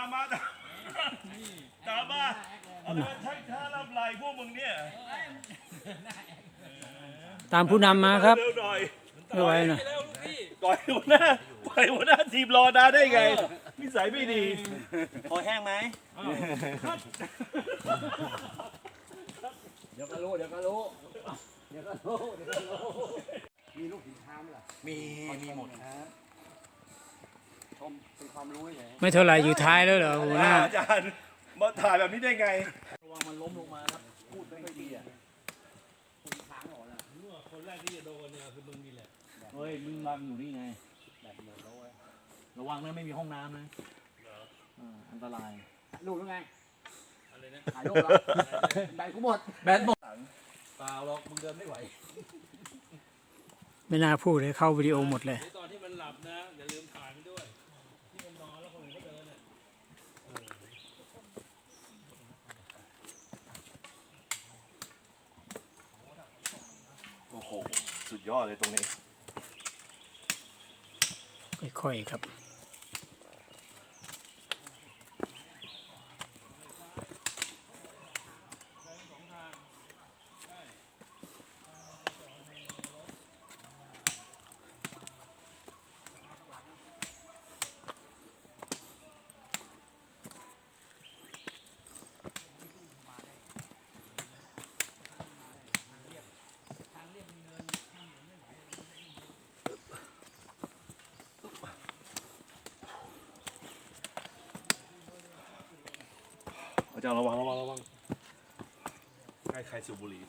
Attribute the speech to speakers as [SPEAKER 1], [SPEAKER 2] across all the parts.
[SPEAKER 1] มาตามมาเอาไปชักช้าลำไรพวกมึงเนี่ย
[SPEAKER 2] ตามผู้นำมาครับ
[SPEAKER 1] เร็วหน่อย
[SPEAKER 2] ไม่ไหวนะ
[SPEAKER 1] ปล่อยหัวหน้าทีมรอนานได้ไงนิสัยไม่ดี
[SPEAKER 3] พอแห้งไหมเดี๋ยวก็รู้มีลูกหินช้างไหมล่ะมีหมดครับชมเป็นความรู้เฉย
[SPEAKER 2] ไม่เท่าไหร่อยู่ท้ายแล้วเหรอหัวหน้า
[SPEAKER 1] อาจารย์มาถ่ายแบบนี้ได้ไง
[SPEAKER 3] ระวังมันล้มลงมาครับพูดไม่ค่อยดีอ่ะคนช้างหรอนะ
[SPEAKER 1] คนแรกที่จะโดนเนี่ยคือมึงนี่แหละ
[SPEAKER 3] เฮ้ยมึงนอนอยู่นี่ไงแบบหมดแล้วระวังนะไม่มีห้องน้ำนะอันตรายลูกยังไงอะไรนะถ่ายรูปแล้วแบตกูหมดเปล่าหรอกมึงเดินไม่ไหว
[SPEAKER 2] ไม่น่าพูดเลยเข้าวิดีโอหมดเลย
[SPEAKER 1] ตอนที่มันหลับนะอย่าลืมถ่ายมันด้วยที่มันนอนแล้วคนอื่นก็เดินเนี่ยโอ้โหสุดยอดเลยตรงนี้
[SPEAKER 2] ค่อยๆครับ
[SPEAKER 1] อาจารย์ระวังใกล้ใครสูบบุหรี่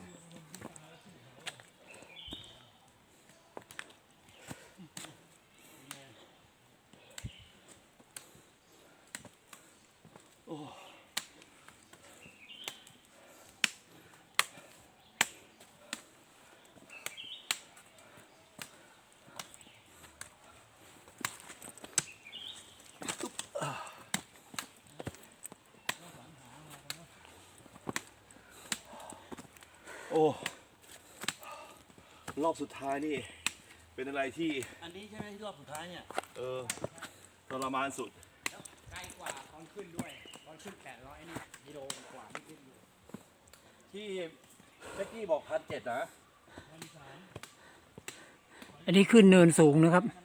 [SPEAKER 1] โอ้รอบสุดท้ายนี่เป็นอะไรที่
[SPEAKER 3] อันนี้ใช่ไหมที่รอบสุดท้ายเนี่ย
[SPEAKER 1] ทรมานสุด
[SPEAKER 3] ไกลกว่าตอนขึ้นด้วยตอนขึ้น800นี่กิโลกว่าที่ขึ้นอยู่ที่เจ๊กี้บอก1,700นะ
[SPEAKER 2] อันนี้ขึ้นเนินสูงนะครับ